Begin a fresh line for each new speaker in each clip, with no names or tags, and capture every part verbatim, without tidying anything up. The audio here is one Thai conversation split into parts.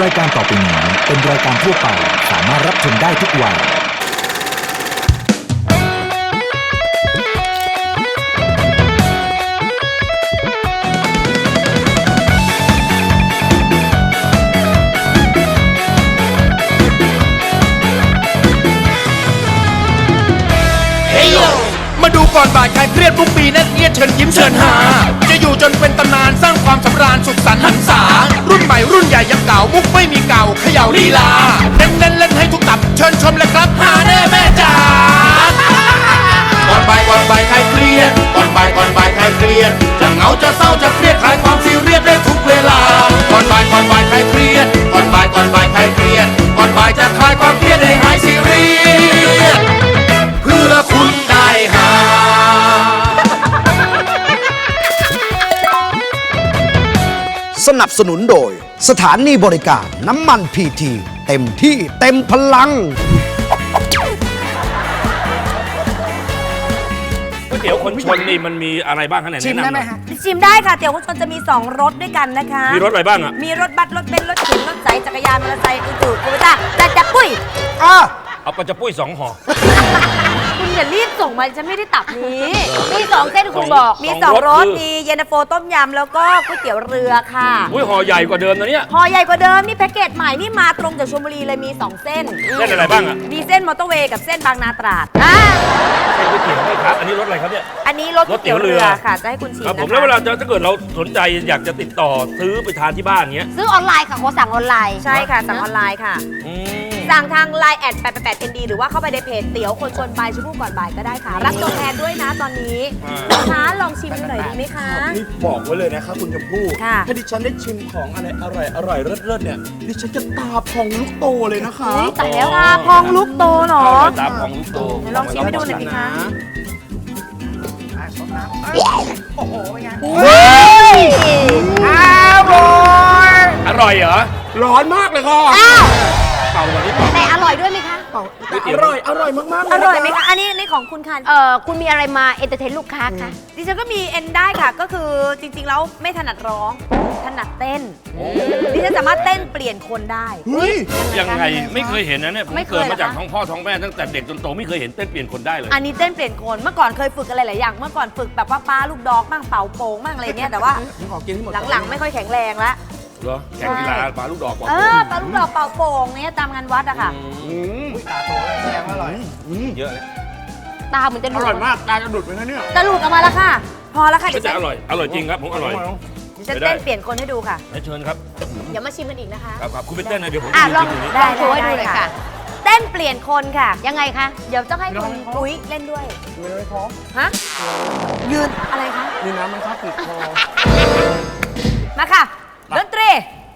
รายการต่อไปนี้เป็นรายการทั่วไปสามารถรับชมได้ทุกวัย
มาดูก่อนบ่ายใครเครียดทุกปีนั่นเอียดเชิญยิ้มเชิญหาจะอยู่จนเป็นตำนานสร้างความสำราญสุขสันต์หันษารุ่นใหม่รุ่นใหญ่ยังเก่ามุกไม่มีเก่าเขย่าลีลาเน้นเล่นเล่นให้ทุกตับเชิญชมเลยครับหาแน่แม่จ๋าก่อนบ่ายก่อนบ่ายใครเครียดก่อนบ่ายก่อนบ่ายใครเครียดจะเหงาจะเศร้าจะเครียดคลายความซีเรียสได้ทุกเวลาก่อนบ่ายก่อนบ่ายใครเครียดก่อนบ่ายก่อนบ่ายใครเครียดก่อนบ่ายจะคลายความเครียดให้หายซีเรียสเพื่อคุณได้หา
สนับสนุนโดยสถานีบริการน้ำมันพีทีเต็มที่เต็มพลัง
ก๋วยเตี๋ยวคนชนนี่มันมีอะไรบ้างคะไหนแนะนำ
ชิมได้ไหมฮะ
ชิมได้ค่ะเตี๋ยวคุณชนจะมีสองรสด้วยกันนะคะ
มีรสอะไรบ้างอ่ะ
มีรถบัสรถเบนซ์รถเข็นรถใสจักรยานมอเตอร์ไซค์อื่นๆกูไม่ได้แต่จะปุ้ย
อ่ะ
เอาปลาจะปุ้ยสองห่อ
คุณอย่ารีบส่งมาฉันไม่ได้ตับนี้
มีสองเส้นคุณบอก
มีสองรสมีเย็นตาโฟต้มยำแล้วก็ก๋วยเตี๋ยวเรือค่ะ
อุ้ยห่อใหญ่กว่าเดิมนะเนี่ย
พอใหญ่กว่าเดิมนี่แพ็กเกจใหม่นี่มาตรงจากชลบุรีเลยมีสองเส้น
เส้นอะไรบ้างอ่ะ
มีเส้นมอเตอร์เวย์กับเส้นบางนาตราดอ่า
เส้นก๋วยเตี๋ยวนี่ครับอันนี้รสอะไรครับเนี่ย
อันนี้รสก๋วยเตี๋ยวเรือค่ะจะให้คุณชิม
ครับ
นะ
ผม
คะ
แล้วเวลาจะถ้าเกิดเราสนใจอยากจะติดต่อซื้อไปทานที่บ้านเงี้ย
ซื้อออนไลน์ค่ะขอสั่งออนไลน์
ใช่ค่ะสั่งออนไลน์ค่ะ
อืม
สั่งทาง ไลน์ แอดแปดแปดแปด เอ็น ดี หรือว่าเข้าไปในเพจเตี๋ยวคนชนบายชมพู่ก่อนบ่ายก็ได้ค่ะ รับตัวแทนด้วยนะตอนนี้นะคะลองชิมดูหน่อยดีไหมคะ
นี่บอกไว้เลยนะครับคุณชมพู่
ค่ะ
ถ้าดิฉันได้ชิมของอะไรอร่อยอร่อยเลิศๆเนี่ยดิฉันจะตาพองลูกโตเลยนะคะ
อุ๊ยตายแล้วค่ะพองลูกโตเหรอ
ข้าวตาของลูกโต
เดี๋ยวลองชิมให้ดูหน่อยสิคะ
อร่อยเหรอ
ร้อนมากเลยค่ะ
เป่าวันนี้เป่า
แต่อร่อยด้วยไหมคะ
แต่อร่อยอร่อยมากๆเลย
อ
นะคะ
ร่อยไหมคะ อันนี้นี่ของคุณค่ะ
เอ่อคุณมีอะไรมาเอนเตอร์เทนลูกค้าคะ
ดิฉันก็มีเอ็นได้ค่ะ ก็คือจริงๆแล้วไม่ถนัดร้อง ถนัดเต้น ดิฉันสามารถเต้นเปลี่ยนคนได้
เฮ้ย
ยังไงไม่เคยเห็นนะเนี่ยผม
ไม่เคย
เกิดมาจาก
เหรอคะ
ท้องพ่อท้องแม่ตั้งแต่เด็กจนโตไม่เคยเห็นเต้นเปลี่ยนคนได้เลย
อันนี้เต้นเปลี่ยนคน เมื่อก่อนเคยฝึกอะไรหลายอย่าง เมื่อก่อนฝึกแบบว่าป้าลูกดอกบ้างเป่าโป่งบ้างอะไรเงี้ย แต่ว่า
ขอกินให้หมด
หลังๆไม่ค่อยแข็งแรงละ
เหรอแข่งกีฬาปลาลูกดอกบอก
เออปลาลูกดอกเป่าโป่งเนี่ยตามงานวัดอะค่ะ
อืมตาโตแล้วแสดงว่าอร่อยอืม
เยอะเลย
ตาเหมือนจะห
อ
ลุด
ร่อยมากตาจะดุดไปนะเนี่ย
จะหลุดออกมาแล้วค่ะ พอแล้วค่ะ
ก็
เดี๋ยว
จะ
ฉัน
อร่อยอร่อยจริงครับผมอร่อย
เดี๋ยวฉันเต้นเปลี่ยนคนให้ดูค่ะ
ให้เชิญครับ
เดี๋ยวมาชิมกันอีกนะคะ
ครับครับคุณไปเต้นนะเดี๋ยวผม
อ่ะ
จะ
ลอง
ชิมตรงนี้
ได้
ลองโชว์ให้ดูเลยค่ะ
เต้นเปลี่ยนคนค่ะ
ยังไงคะ
เดี๋ยวต้องให้คุณปุ้ยเล่นด้วย
มีอะไรคอ
ฮะ ยืนอะไรคะ
มีน้ำไหมครับติดคอ
มาค่ะ ดนตรี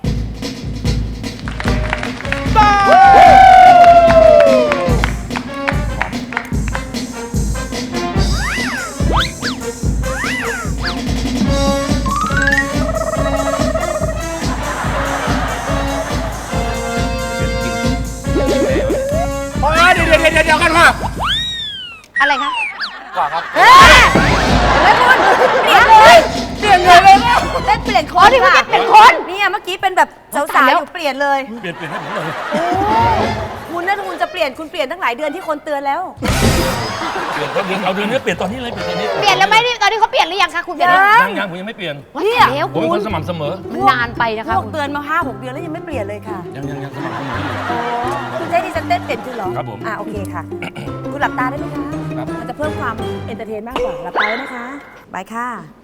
โอ้ยเดี๋ยวเดี๋ยวเดี๋ยวเดี๋ยวกันค่ะ
อะไรคะ
เฮ้ยเห็นไหมคุณเปลี่ยนเลย เปลี่ยนเลยเลยเต้นเปลี่ยนคน
อ๋อนี่เขา
ค่ะ
เต้นเปลี่ยนคน
เนี่ยเมื่อกี้เป็นแบบสาวๆอยู่เปลี่ยนเลย
เปลี่ยนเปลี่ยนให้ผมหน่อย
คุณนะคุณจะเปลี่ยนคุณเปลี่ยนตั้งหลายเดือนที่คนเตือนแล้ว
เปลี่ยนตอนนี้เอาเดือนนี้เปลี่ยนตอนนี้เลยเปลี่ยนตอนนี้
เปลี่ยนแล้วไหมนี่ตอนนี้เขาเปลี่ยนหรือยังคะคุณเปลี่ยน
ยั
แล้ว
ยังยังผมยังไม่เปลี่ยน
เนี่ย
แล้ว
ผมเป็น
คุ
ค
ณ
นสม่ำเสมอ
มันนานไปนะ
พ
คะ
วกเตือนมาห้าหกเดือนแล้วยังไม่เปลี่ยนเลยค่ะ
ยังยังยังสม่ำเสมออยู่
คุณจะให้ดิฉันเต้นเปลี่ยนคุณเหรอ
ครับผม
อ่าโอเคค่ะ คุณหลับตาได้ไหมคะ
ครับ
มันจะเพิ่มความเอนเตอร์เทนมากกว่า หลับตาไว้นะคะบายค่ะ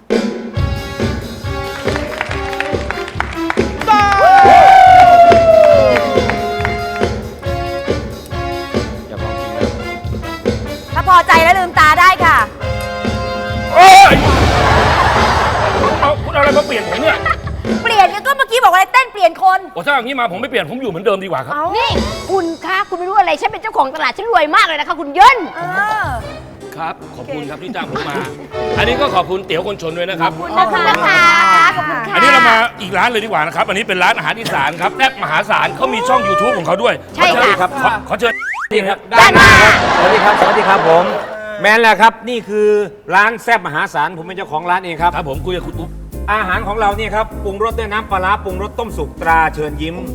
อย่าลองจริงนะ
ถ้าพอใจแล้วลืมตาได้ค่ะ
โอ้ยเอาคุณเอาอะไรมาเปลี่ยนผมเนี่ย
เปลี่ยนก็เมื่อกี้บอกว่าเต้นเปลี่ยนคน
โอ้ถ้าอย่างนี้มาผมไม่เปลี่ยนผมอยู่เหมือนเดิมดีกว่าครับ
นี่คุณคะคุณไม่รู้อะไรฉันเป็นเจ้าของตลาดฉันรวยมากเลยนะคะคุณเยิน
เออ
ครับขอบคุณครับที่จ้างผมมา อันนี้ก็ขอบคุณเตี๋ยวคนชนด้วยนะครับ
ขอบคุณนะคะ
นะคะขอบคุณค่ะ
อันนี้เรามาอีกร้านเลยดีกว่านะครับ อันนี้เป็นร้านอาหารอีสานครับแซ่บมหาศาลเขามีช่อง YouTube ของเขาด้วย
ใช่ค่ะ
ขอขอเชิญนี่ครับ
ด้านหน้า
สวัสดีครับ สวัสดีครับผม แมนแหละครับ นี่คือร้านแซ่บมหาศาล ผมเป็นเจ้าของร้านเองครับ
ครับผมคุยกับคุณอุ๊บ
อาหารของเราเนี่ยครับปรุงรสด้วยน้ำปลาร้าปรุงรสต้มสุกตราเชิญยิ้ม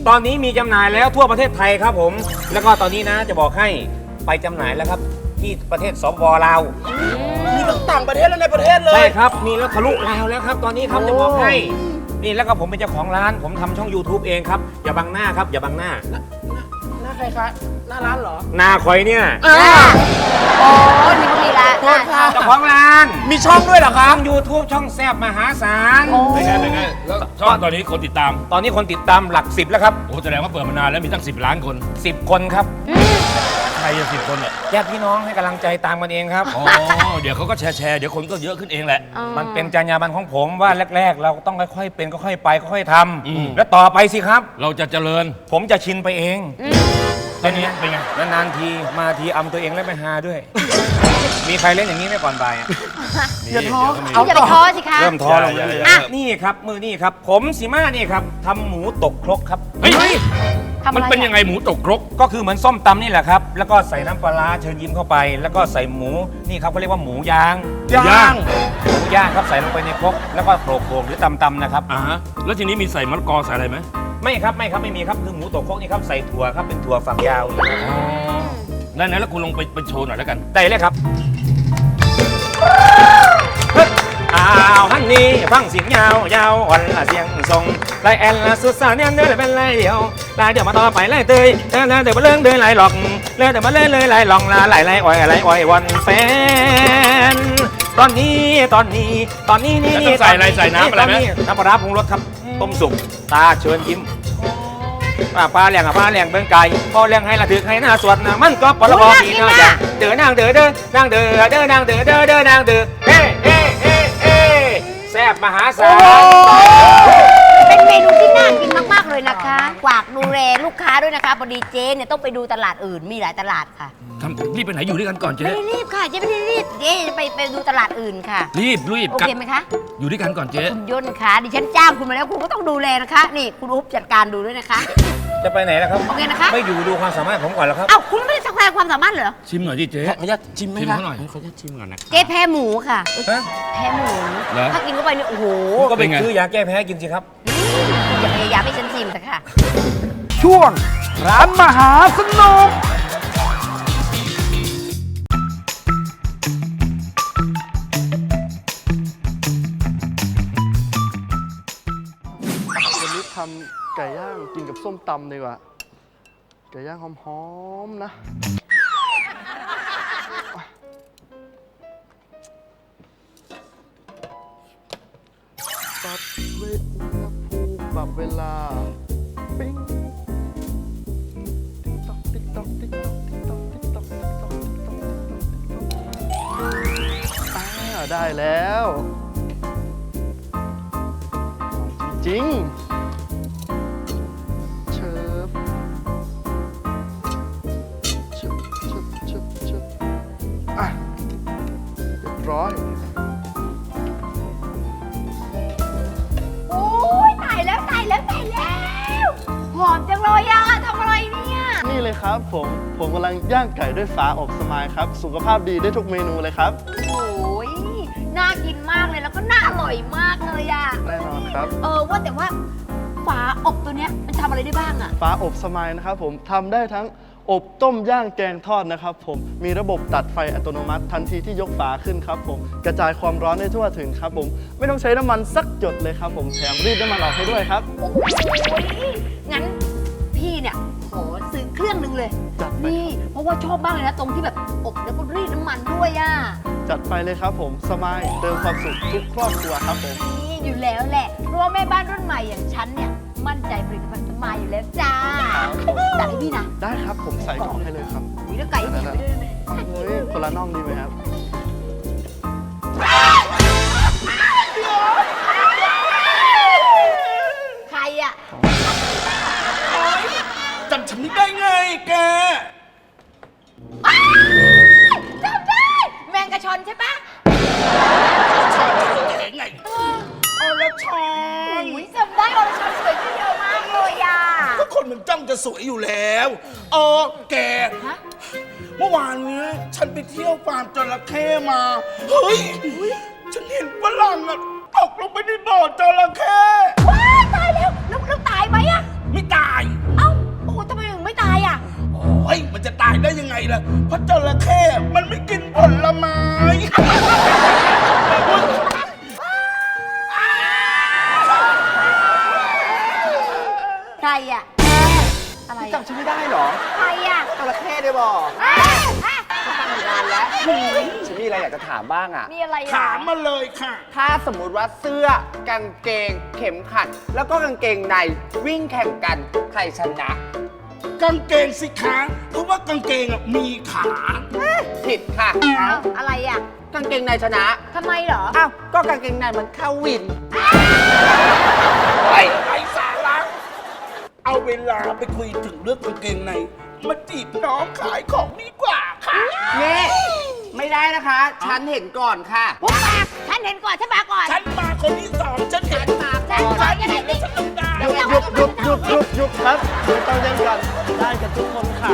ตอนนี้มีจำหน่ายแล้วทั่วประเทศไทยครับผม แล้วก็ตอนนี้นะจะบอกให้ไปจำหน่ายแล้วครับที่ประเทศสปปลาว
มีทั้งต่างประเทศและในประเทศเล
ใช่
ย
ครับมีแล้วทะลุลาวแล้วครับตอนนี้ครับจะบอกให้นี่แล้วก็ผมเป็นเจ้าของร้านผมทำช่อง YouTube เองครับอย่าบังหน้าครับอย่าบังหน้า
หน้าใครคะ หน้าร้านเหรอ
หน้าคอยเนี่ย
โอ้นี่ก็มีละ
โทษค่ะ
เจ้าของร้าน
มีช่องด้วยเหรอคะ
ช่อง YouTube ช่องแซบมหาศาล
เป็นไงเป็นไงแล้วช่องตอนนี้คนติดตาม
ตอนนี้คนติดตามหลักสิบแล้วครับ
โอ้แสดงว่าเปิดมานานแล้วมีตั้งสิบล้านคน
สิบคนครับ
ใครจะสิบคนเนี่ย
ญาติพี่น้องให้กำลังใจตามกันเองครับ
อ๋อเดี๋ยวเขาก็แชร์แชร์เดี๋ยวคนก็เยอะขึ้นเองแหละ
มันเป็นจรรยาบรรณของผมว่าแรก ๆ เราต้องค่อยๆเป็นค่อยๆไปค่อยๆท
อืม
ำแล้วต่อไปสิครับ
เราจะเจริญ
ผมจะชินไปเอง
ตอนนี้เป็นไง
นานๆทีมาทีอำตัวเองแล้วไปหาด้วย มีใครเล่นอย่างนี้ไหมก่อนบ่ายอะ
อย่าท้อ
มี
อย่าไปท้อสิคะ
เริ่มท้อลง
อย่า
เรื่
อย่า
อย
อย่า
ๆนี่ครับมือนี่ครับ ผมสีมานี่ครับทำหมูตกครกครับ
เฮ้ย
ทำอะไร
มันเป็นยังไงหมูตกครก
ก็คือเหมือนส้มตำนี่แหละครับ แล้วก็ใส่น้ำปลาร้าเชิญยิ้มเข้าไป แล้วก็ใส่หมูนี่ครับเขาเรียกว่าหมูยาง
ย่าง
หมูย่างครับใส่ลงไปในครกแล้วก็โขลกโขลกหรือตำๆนะครับ
อ่าฮะแล้วทีนี้มีใส่มะละกอใส่อะไรไหม
ไม่ครับไม่ครับไม่มีครับคือหมูตกครกนี่ครับใส่ถั่วครับเป็นถั่วฝักยาว
อ๋อได้ไหนแล้วคุณลงไปไปโชว์หน่อยแล้วกัน
ได้เลยครับอ้าวฮันนี่ฟังเสียงยาวยาวอ่อนละเสียงทรงลายแอนละสุดสาวเนี่ยเดินเป็นลายเดียวลายเดียวมาต่อไปลายเตยเดินเดินมาเลื่อนเดินลายหลอกเลื่อนเดินมาเลื่อนเลยลายหลองลาลายลายอ้อยลายอ้อยวันแฟนตอนนี้ตอนนี้ตอนนี้นี่
แล้วต้องใส่อะไรใส่น้ำอะไรไหม
น้ำปลาร้าปรุงรสครับต้มสุกตาเชิญยิ้มป้าปลาเลี้ยงอ่ะปลาเลี้ยงเบิ้งไก่พอเลี้ยงให้ละถือให้หน้าสวดนะมันก็ปลาบอดีนะจ๊ะเดินนางเดินเดินนางเดินเดินนางเดินเดินเดินนางเดินเฮ้เฮ้เฮ้เฮ้แซ่บมหาศาล
เป็นเมนูที่น่ากินมากๆเลยนะคะฝากดูแลลูกค้าด้วยนะคะพอดีเจ๊เนี่ยต้องไปดูตลาดอื่นมีหลายตลาดค่ะ
ทำรีบไปไหนอยู่ด้วยกันก่อนเจ๊
ไม่ได้รีบค่ะเจ๊ไม่ได้รีบเจ๊จะไปไปดูตลาดอื่นค่ะ
รีบรีบ
โอเคไหมคะ
อยู่ด้วยกันก่อนเจ๊
คุณย่นค่ะดิฉันจ้างคุณมาแล้วคุณก็ต้องดูแลนะคะ นี่คุณอุ๊บจัดการดูด้วยนะคะ
จะไปไหนล่ะครับ
โอเคนะคะ
ไม่อยู่ดูความสามารถผมก่อนแล้วครับ
เอ้าคุณไม่ได้สักแสดงความสามารถเหรอ
ชิมหน่อยดิเจ๊
ขออนุญาตชิมไหม
ชิม
คะ
เขาหน่อย
ขออนุญาตชิมก่อนนะ
เจ๊แพ้หมูค่ะ
ฮะ
แพ้หมู
เหรอ
ถ้ากินเข้าไปเนี่ยโอ้โห
ก็ไป
เป็นไง
ซื้อยาแก้แพ้กินสิครับ
อย่าพยายามให้ฉันชิมเถอะค่ะ
ช่วง ร้านมหาสนุก
วันนี้ทำไก่ย่างกินกับส้มตำดีกว่า ไก่ย่างหอมๆนะ ปรับเวทอุณหภูมิปรับเวลา ปิ้ง ติ๊กต๊อกติ๊กต๊อกติ๊กต๊อกติ๊กต๊อกติ๊กต๊อกติ๊กต๊อกติ๊กต๊อกติ๊กต๊อกติ๊กต๊อกอ่าได้แล้วจริงๆ เชิบเชิบเชิบเชิบเชิบอ่ะเรียบร้อย
โอ้ยตายแล้วตายแล้วตายแล้ว หอมจังเลยอะทำอะไรเนี่ย
นี่เลยครับผม ผมกำลังย่างไก่ด้วยฝาอบสมายครับ สุขภาพดีได้ทุกเมนูเลยครับ
โอ้ยน่ากินมากเลยแล้วก็น่าอร่อยมากเลยอะ
แน่นอนครับ
เออว่าแต่ว่าฝาอบตัวเนี้ยมันทำอะไรได้บ้างอะ
ฝาอบสมายนะครับผมทำได้ทั้งอบต้มย่างแกงทอดนะครับผมมีระบบตัดไฟอัตโนมัติทันทีที่ยกฝาขึ้นครับผมกระจายความร้อนได้ทั่วถึงครับผมไม่ต้องใช้น้ำมันสักหยดเลยครับผมแถมรีดน้ำมันออกให้ด้วยครับ
โอ้ยงั้นพี่เนี่ยขอซื้อเครื่องหนึงเลย
จัดไป
นี่เพราะว่าชอบมากเลยนะตรงที่แบบอบแล้วก็รีดน้ำมันด้วยอะ
จัดไปเลยครับผมสมายเติมความสุขทุกครอบครัวครับผม
นี่อยู่แล้วแหละเพราะว่าแม่บ้านรุ่นใหม่อย่างฉันเนี่ยมั่นใจผลิตภัณฑ์สมายอยู่แล้วจ้าจัดให้พี่นะ
ได้ครับผมใส่กล่องให้เลยครับ
นี่แล้วไก่ให้พี่ไปด้วยไหม
เฮ้ยคนละน่องดีไหมครับ
ใครอะ
จำฉันไม่ได้ไงแก
อ้าวจำได้แมงกะชอนใช่ปะ
ไงอรชร
อุ้ยจำได้อรชรสวยขึ้นเยอะมากเลยอะ
ก็คนมันจ้องจะสวยอยู่แล้วเออแก
ฮะ
เมื่อวานเนี้ยฉันไปเที่ยวฟาร์มจระเข้มา เฮ้ย ฉันเห็นฝรั่งอะตกลงไปในบ่อจระเข้
ว้ายตายแล้วแล้วแล้วตายไหมอะ
ไม่ตาย
อะไรอ่ะอะไร
จำชื่อไม่ได้เหรอ
ใครอ่ะ
จระเข้ได้บอก
อ่ะอ่ะ
ตั้งนานแล้วฉันมีอะไรอยากจะถามบ้างอ่ะ
มีอะไรอ่ะ
ถามมาเลยค่ะ
ถ้าสมมุติว่าเสื้อกางเกง เข็มขัด แล้วก็กางเกงในวิ่งแข่งกันใครชนะ
กางเกงสิคะเพราะว่ากางเกงอะมีขา
ผิดค่ะ
เอ้าอะไรอ่ะ
กางเกงในชนะ
ทำไมเหรอ
อ้าว ก็กางเกงในมันเข้าวิน
ไอ้ไอ้สาระเอาเวลาไปคุยถึงเรื่องกางเกงในมาจีบน้องขายของดีกว่าค่ะ
นี่ไม่ได้นะคะ ฉันเห็นก่อนค่ะ
ปุ๊บปากฉันเห็นก่อนฉันมาก่อน
ฉันมาคนที่สองฉันเห็นมา
ฉันก่อนยังไงนี่
ฉันต้องได้
หยุดหยุดหยุดหยุดหยุดหยุดครับไม่ต้องแย่งกันได้กันทุกคนขา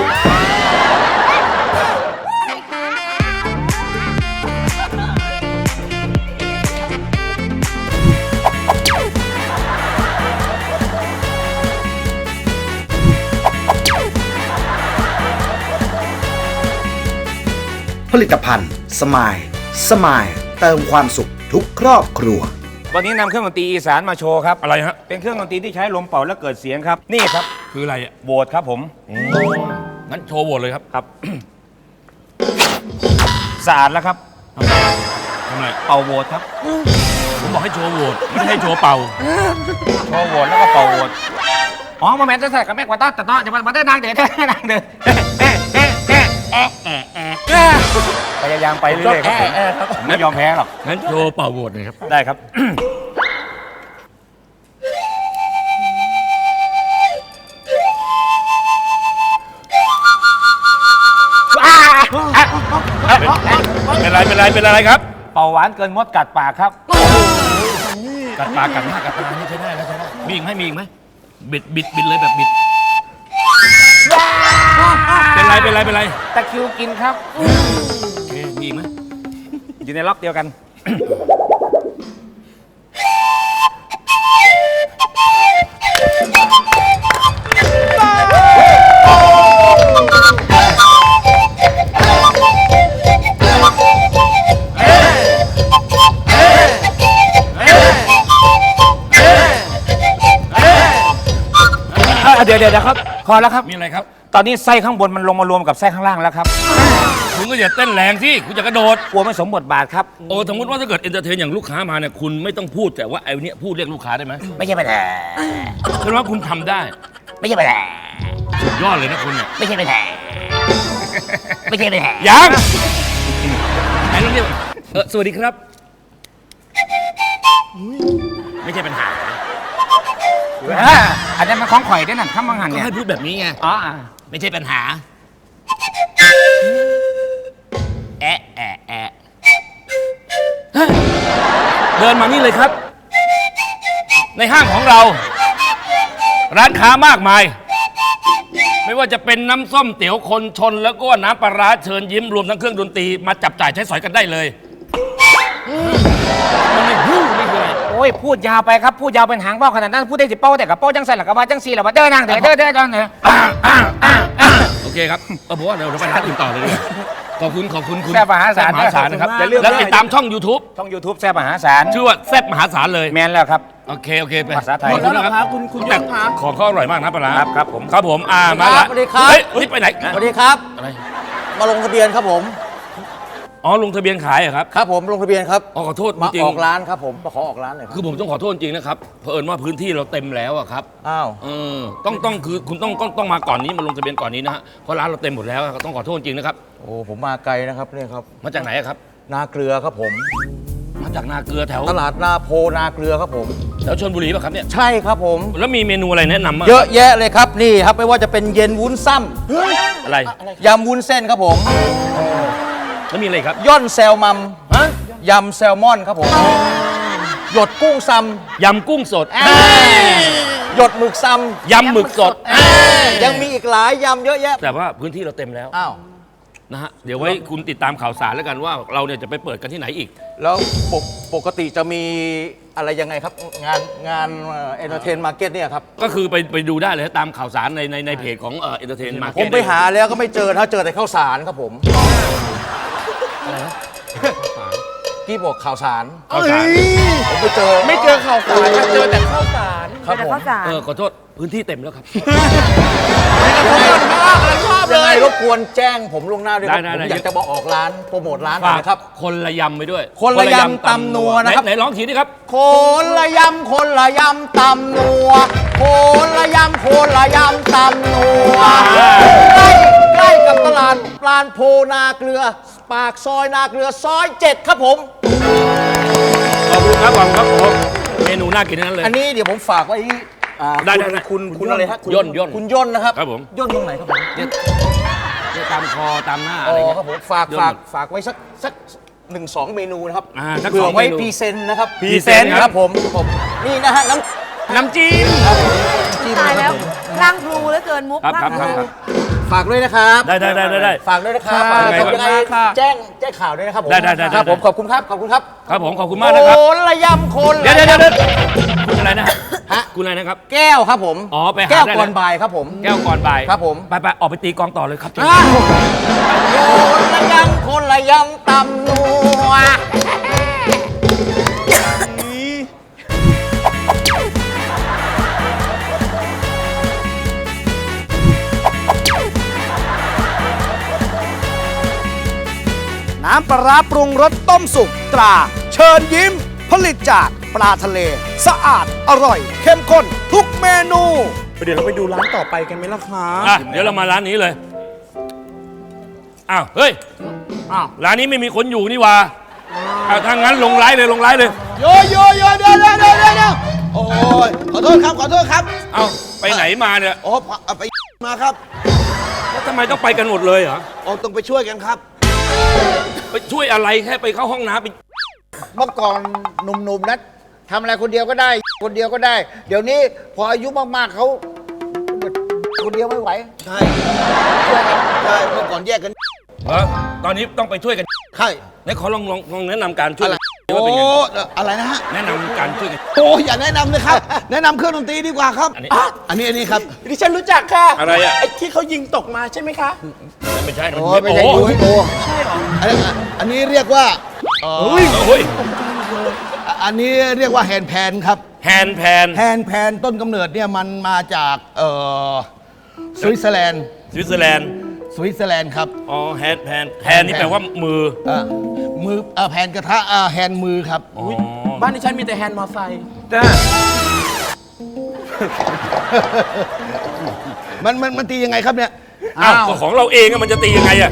ผลิตภัณฑ์สมายสมายเติมความสุขทุกครอบครัว
วันนี้นำเครื่องดนตรีอีสานมาโชว์ครับ
อะไรฮะ
เป็นเครื่องดนตรีที่ใช้ลมเป่าแล้วเกิดเสียงครับ นี่ครับ
คืออะไรอ่ะ
โหวตครับผม
งั้นโชว์โหวตเลยครับ
ครับ สะอาดแล้วครับ
ทำอะไร
เป่าโหวตครับ
ผมบอกให้โชว์โหวตไม่ได้ให้โชว์เป่า
โชว์โหวตแล้วก็เป่าโหวตอ๋อมาแมนจะใส่กับแม่กว่าต้าแต่ต้อจะมามาได้นางเดือดได้นางเดือดเอ๊ะเอ๊ะเอ๊ะเอ๊ะเอ๊ะเอ๊ะเอ๊ะพยายามไปเรื่อยๆครับผมผมไม่ยอมแพ้หรอก
งั้นโชว์เป่าโหวตหน่อยครับ
ได้ครับ
เป็นไรเป็นไรเป็นอะไรครับ
เป่าหวานเกินมดกัดปากครับ
กัดปากกัดหน้ากัดตานี่ใช้ได้แล้วใช้ได้มีอีกไหมมีอีกไหมบิดบิดบิดเลยแบบบิด เป็นไรเป็นไรเป็นไร
ตะคริวกินครับ
โอเคมีอีกไหม
อยู่ในล็อกเดียวกัน เดี๋ยวเดี๋ยวครับ พอแล้วครับ
มีอะไรครับ
ตอนนี้ไส้ข้างบนมันลงมารวมกับไส้ข้างล่างแล้วครับ
คุณก็อย่าเต้นแรงสิคุณจะกระโดด
กลัวไม่สมบทบาทครับ
โอ้สมมติว่าถ้าเกิดเอนเตอร์เทนอย่างลูกค้ามาเนี่ยคุณไม่ต้องพูดแต่ว่าไอ้เนี้ยพูดเรียกลูกค้าได้ไหม
ไม่ใช่ปัญหา
แสดงว่าคุณทำได้
ไม่ใช่ปัญหา
สุดยอดเลยนะคุณเนี่ย
ไม่ใช่ปัญหาไม่ใช่ปัญหา
ยังไหนลองเรียกเออสวัสดีครับ ไม่ใช่ปัญหา
อ่าอันนั้นมันของข่อยด้วยนั่นข้ามมังหัน
ก็
เนี่ย
ให้พูดแบบนี้ไง
อ๋อ
ไม่ใช่ปัญหา แอะแอะแอะเฮ้ยเดินมานี่เลยครับ ในห้างของเรา ร้านค้ามากมาย ไม่ว่าจะเป็นน้ำส้มเตี๋ยวคนชนแล้วก็น้ำปลาร้าเชิญยิ้มรวมทั้งเครื่องดนตรีมาจับจ่ายใช้สอยกันได้เลยมันไม่ฮู้ไม่คืออะไร
โอ้ยพูดยาวไปครับพูดยาวเป็นหางว่าวขนาดนั้นพูดได้สิเป้าแต่กับเป้าจังใส่หลักกระบาจังสีหลักว่าเด้อนางเด้อเด้อเด้อเด้อเด้อ
โอเคครับเออผมว่าเดี๋ยวเราไปร้านอื่นต่อเลยดีกว่าขอบคุณขอบคุณคุณ
แซ่บมหาศาล
แซ่บมหาศาลนะครับ
อย่าลืม
แล้วติดตามช่อง YouTube
ช่อง YouTube แซ่บมหาศาล
ชื่อว่าแซ่บมหาศาลเลย
แมนแล้วครับ
โอเคโอเคไป
ภาษาไทย
ขอบคุณนะครับ
คุณคุณ
แต่
ยงครับ
ของเขาอร่อยมากนะปลาร้า
ครับครับผม
ครับผมอ่ามาละ
สวัสดีครับ
เฮ้ยนี่ไปไหน
สวัสดีครับ
อะไร
มาลงทะเบียนครับผม
อ๋อลงทะเบียนขายเหรอครับ
ครับผมลงทะเบียนครับ
อ๋อขอโทษ
มา
จริง
ออกร้านครับผมมาขอออกร้านหน่อยค
คื
รับ
อผมต้องขอโทษจริงนะครับเผอิญว่าพื้นที่เราเต็มแล้วอะครับ
อ้าว
เออต้องต้องคือคุณต้องต้องต้องมาก่อนนี้มาลงทะเบียนก่อนนี้นะฮะเพราะร้านเราเต็มหมดแล้วอะต้องขอโทษจริงนะครับ
โอ้ผมมาไกลนะครับเนี่ยครับ
มาจากไหนอะครับ
นาเกลือครับผม
มาจากนาเกลือแถว
ตลาดนาโพนาเกลือครับผม
แถวชลบุรีป่ะครับเนี่ย
ใช่ครับผม
แล้วมีเมนูอะไรแนะนำบ้าง
เยอะแยะเลยครับนี่ครับไม่ว่าจะเป็นเย็นวุ้นซ้
อะไร
ำยำวุ้นเส้นครับผม
แล้วมีอะไรครับ
ย่อนแซลมัม
ฮะ
ยำแซลมอนครับผมหยดกุ้งซ้
ยำกุ้งสด
ำหยดหมึกซ้
ยำหมึกสด
ำยังมีอีกหลายยำเยอะแยะ
แต่ว่าพื้นที่เราเต็มแล้ว
อ้าว
นะฮะเดี๋ยวไว้คุณติดตามข่าวสารแล้วกันว่าเราเนี่ยจะไปเปิดกันที่ไหนอีก
แล้วปกปกติจะมีอะไรยังไงครับ งานงานเอ็นเตอร์เทนมาร์เก็ตเนี่ยครับ
ก็คือไปไปดูได้เลยตามข่าวสารในในในเพจของเอ่อเอนเตอร์เทนมาร์
ผ
เก็
ม
ต
ไปหาแล้วก็ไม่เจอถ้าเจอแต่ข้าวสารครับผมกี้บอกข่าวสาร
ข่าวสาร
ผมไปเจอ
ไม่เจอข่าวสารเจอแต่ข้าวสาร
คครับ
เดี๋ยว
ผม
ข้าวสาร
เออขอโทษพื้นที่เต็มแล้วครับ
ชอบเลยยังไงรบกวนแจ้งผมล่วงหน้าด้วยครับ
ได้
ผม
ได้
อยากจะบอกออกร้านโปรโมทร้านหน่อย
ฝาก
นะครับ
คนละยำไปด้วย
คนละยำตำนัวนะครับ
ไหไหนร้องทีนี่ครับ
คนละยำคนละยำตำนัวคนละยำคนละยำตำนัวใกล้ใกล้กับตลาดปลานโพนาเกลือ ปากซอยนาเกลือซอยเจ็ดครับผม
ขอบคุณครับขอบคุณครับผมเมนูน่ากินทั้งนั้นเลย
อันนี้เดี๋ยวผมฝากไว้อ่า
ได้ได้ได้
คุณคุณคุณอะไรฮะคุณ
ย่นย่น
คุณย่นนะครับ
ครับผม
ย่นตรงไหนครับผม
เนี่ยเนี่ยตามคอตามหน้า
อ๋
อะไร
อ
เงี้ย
ครับผมฝาก
ย่น
ฝากฝากไว้สักสักหนึ่งสองเมนูนะครับ
อ่าสัก
เผื่
ส
อ
อง
ไว้
เมนู
พรีเซนต์นะครับ
พรีเซนต์
ครับผมผมนี่นะฮะน้ำ
น้ำจิ้ม
ตายแล้วร่างครูเหลือเกินมุก
ครับ
ร่าง
ครับ
ค
ค
รู
รับ
ฝากด้วยนะครับ
ได้ได้ได้ได้ได้
ฝากด้วยนะครับ
ครับ
ฝาก
ยังไง
ยังไง
ครับ
แจ้งแจ้งข่าวด้วยนะครับผม
ได้ได้ได้
ครับ
ได้
ผมขอบคุณครับขอบคุณครับ
ครับผมขอบคุณมากนะครับ
โคนละยำโคน
เดี๋ยว
ละ
เดี๋ยวเดี๋ยว
ำ
คุณอะไรนะฮะ
ฮะ
คุณอะไรนะครับ
แก้วครับผม
อ๋อไปหา
แก้ว
ได้
ก่อน
เลย
บ่ายครับผม
แก้วก่อนบ่าย
ครับผม
ไปไปออกไปตีกลองต่อเลยครับ
อ่ะคนละยำคนละยำตำนัว
น้ำปลาร้าปรุงรสต้มสุกตรา เชิญยิ้ม ผลิตจากปลาทะเล สะอาดอร่อย เข้มข้นทุกเมนู
เดี๋ยวเราไปดูร้านต่อไปกันไหมล่ะคะ
อ่ะเดี๋ยวเรามาร้านนี้เลยอ้าวเฮ้ย
อ้าว
ร้านนี้ไม่มีคนอยู่นี่หว่าเอาถ้างั้นลงไลฟ์เลยลงไลฟ์เลย
โยโยโยเดี๋ยวเดี๋ยวเดี๋ยวเดี๋ยวโอ้ยขอโทษครับ ขอโทษครับ
เอาไปไหนมาเนี่ย
โอ้เอาไปมาครับ
แล้วทำไมต้องไปกันหมดเลยเหรอ
โอ้ต้องไปช่วยกันครับ
ไปช่วยอะไรแค่ไปเข้าห้องน้ำไป
เมื่อก่อนหนุ่มๆนะทำอะไรคนเดียวก็ได้ คนเดียวก็ได้ เดี๋ยวนี้พออายุมากๆเขาคนเดียวไม่ไหว
ใช่ช่วยกันใช่เมื่อก่อนแยกกัน
เหรอตอนนี้ต้องไปช่วยกัน
ใช่
ไหนขอลองลองลองแนะนำการช่วย
อะไร
กันว่าเป็นไง
โอ้อะไรนะฮะ
แนะนำการช่วยกัน
โอ้อย่าแนะนำเลยครับ แนะนำเครื่องดนตรีดีกว่าครับ
อันนี้
อ่ะอันนี้อันนี้ครับ
ดิฉันรู้จักค่ะ
อะไรอ่ะ
ไอ้ที่เขายิงตกมาใช่ไหมคะ
ไม่ใช่
โอ้ยไม่ใช่
โอ้
ยูให้โออันนี้อันนี้เรียกว่าเอ่อ
โอ้ย
อันนี้เรียกว่าแฮนด์แพนครับ
แฮนด์แพน
แฮนด์แพนต้นกำเนิดเนี่ยมันมาจากเอ่อสวิตเซอร์แลนด์
สวิตเซอร์แลนด์
สวิตเซอร์แลนด์ครับ
อ๋อแฮนด์แพนแพนนี่แปลว่ามือ
เอ่อมือเอ่อแพนกระทะเอ่อแฮนด์มือครับ
อ๋อ
บ้านดิฉันมีแต่แฮนด์มอไซค์
จ้า
มันมันมันตียังไงครับเนี่ย
อ้าวก็ของเราเองอะมันจะตียังไงอะ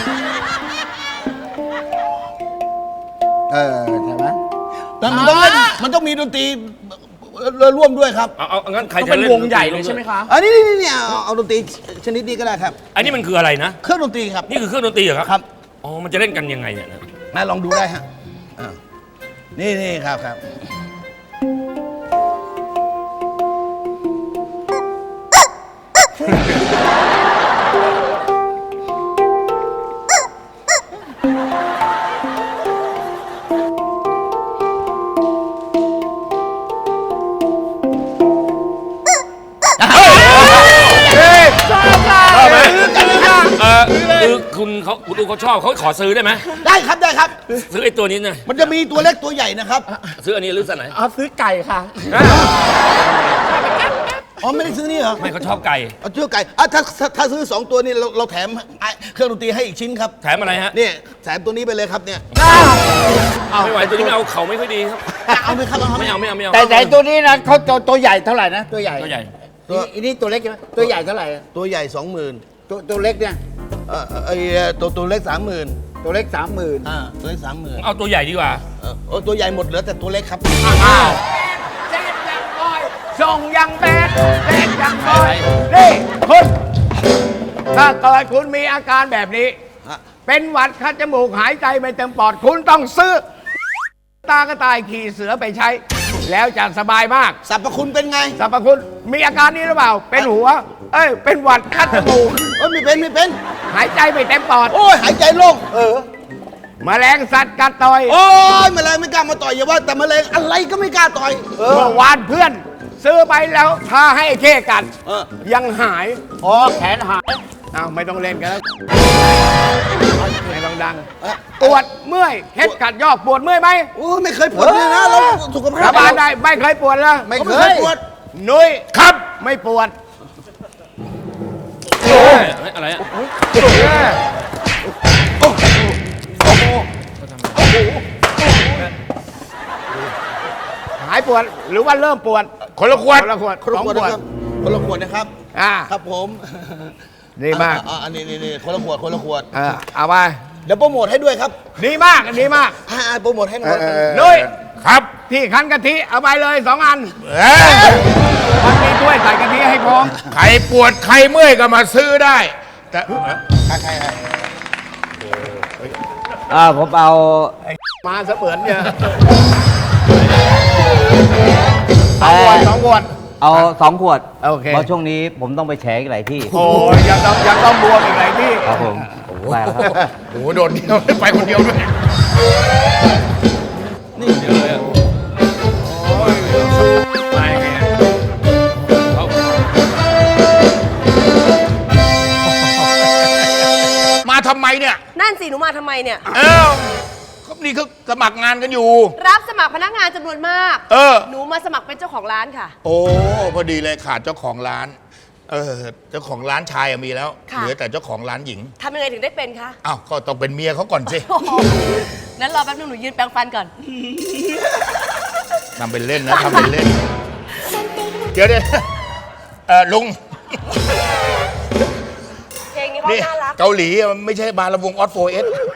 เออใช่ไหม
แต่มันต้องเล่นมันต้องมีดนตรีร่วมด้วยครับ
เอาเอาเอางั้นใคร
ก็
จะ
เป็น
เล่น
วงใหญ่เลยใช่ไหมคะ
อันนี้นี่นี่นี่เอาเอาดนตรีชนิดนี้ก็ได้ครับ
อันนี้มันคืออะไรนะ
เครื่องดนตรีครับ
นี่คือเครื่องดนตรีเหรอครับ
ครับ
อ๋อมันจะเล่นกันยังไงเนี่ยนะ
มาลองดูได้ฮะอ่านี่นี่ครับครับ
ชอบไหมเออคือคุณเขาคุณดูเขาชอบเขาขอซื้อได้ไหม
ได้ครับได้ครับ
ซื้อไอ้ตัวนี้หน่อย
มันจะมีตัวเล็กตัวใหญ่นะครับ
ซื้ออันนี้หรือสันไหน
เอาซื้อไก่ค่ะ
อ๋อไม่ได้ซื้อนี่เหรอ
ไม่เขาชอบไก่
เอาเชือกไก่อ่ะถ้าถ้าถ้าซื้อสองตัวนี่เราเราแถมไอ้เครื่องดนตรีให้อีกชิ้นครับ
แถมอะไรฮะ
นี่แถมตัวนี้ไปเลยครับเนี่ย
ไม่ไหวตัวนี้ไม่เอาเขาไม่ค่อยดีครับ
เอาไหมครับเอาไหม
ไม่เอาไม่เอาไม่เอา
แต่แต่ตัวนี้นะเขาตัวตัวใหญ่เท่าไหร่นะตัวใหญ่
ตัวใหญ่
ตัวอันนี้ตัวเล็กใช่ไหมตัวใหญ่เท่าไหร่อะ
ตัวใหญ่สองหมื่น
ตัวตัวเล็กเนี่ย
เอ่อไอ้ตัวตัวเล็กสามหมื่น
ตัวเล็กสามหมื่น
อ่าตัวเล็กสามหมื่น
เอาตัวใหญ่ดีกว่า
เออโอ้ตัวใหญ่หมดเหลือแต่ตัวเล็กครับ
ส่งยังแบดแบดยังบอยนี่คุณถ้าเกิดคุณมีอาการแบบนี้
ฮะ
เป็นหวัดคัดจมูกหายใจไม่เต็มปอด คุณต้องซื้อ ตากระต่ายขี่เสือไปใช้ แล้วจะสบายมาก
สรรพคุณเป็นไง
สรรพคุณมีอาการนี้หรือเปล่า เป็นหัว เอ้ย เป็นหวัดคัดจมูก
เอ้ยไม่เป็นไม่เป็น
หายใจไม่เต็มปอด
โอ้ยหายใจโล่งเออ
แมลงสัตว์กัดต่อย
โอ้ยแมลงไม่กล้ามาต่อยอย่าว่าแต่แมลงอะไรก็ไม่กล้าต่อยเออ
เมื่อวานเพื่อน ซื้อไปแล้วทาให้ไอ้เข้กัด
เออ
ยังหาย
อ๋อแขนหาย
อ้าวไม่ต้องเล่นกันแล้วไม่ต้องดัง
เอ๊ะ
ปวดเมื่อยเคล็ดกัดยอกปวดเมื่อยไหม
โอ้ไม่เคยปวดเลยนะเราสุขภาพ
สบายได้ไม่เคยปวดแล้ว
ไม่เคยปวด
นุ้ย
ครับ
ไม่ปวด
อะไรอะ
หายปวดหรือว่าเริ่มปวด
คนละขวด
คนละขวด
คนละ
สอง
ขวด
ขวด
นะครับคนละขวดนะครับ
อ่า
ครับผม
ดีมาก
อ่อันนี้นี่นี่คนละขวดคนละขวด
เออเอาไป
เดี๋ยวโปรโมทให้ด้วยครับ
ดีมากดีมาก
อ่าโปรโมทให้หน่อย
นุ้ย
ครับ
พี่คั้นกะทิเอาไปเลยสองอัน
เอ้ย
มันมีถ้วยใส่กะทิให้พร้อม
ใครปวดใครเมื่อยก็มาซื้อได้ แต่
ใครใครใคร
อ่าผมเอา
มาเสมือนเนี่ยสองขวดสองขวด
เอาสองขวด
โอเค
เพราะช่วงนี้ผมต้องไปแฉอีกหลายที่
โอ้ยยังต้องยังต้องบวมอีกหลายที่
ครับผมไปแล้วครับ
โอ้โหโดดเดียวไปคนเดียวด้วย
นี่เดี๋ยวเลยอะไปไงเขา
มาทำไมเนี่ย
นั่นสิหนูมาทำไมเนี่ย
เอ้าก็นี่เขาสมัครงานกันอยู่
รับสมัครพนักงานจำนวนมาก
เออ
หนูมาสมัครเป็นเจ้าของร้านค่ะ
โอ้พอดีเลยขาดเจ้าของร้าน เออเจ้าของร้านชายอะมีแล้ว
ค่ะ
เหลือแต่เจ้าของร้านหญิง
ทำยังไงถึงได้เป็นคะ
อ้าวก็ต้องเป็นเมียเขาก่อนสิ
โอ้โหนั้นรอแป๊บนึงหนูยืนแปรงฟันก่อน
ทำเป็นเล่นนะทำเป็นเล่น เดี๋ยวเดี๋ยวเออลุง
เพลงนี้เขา
นี่
น่ารัก
เกาหลีอะมันไม่ใช่บาร์ลำวงออสโฟเอส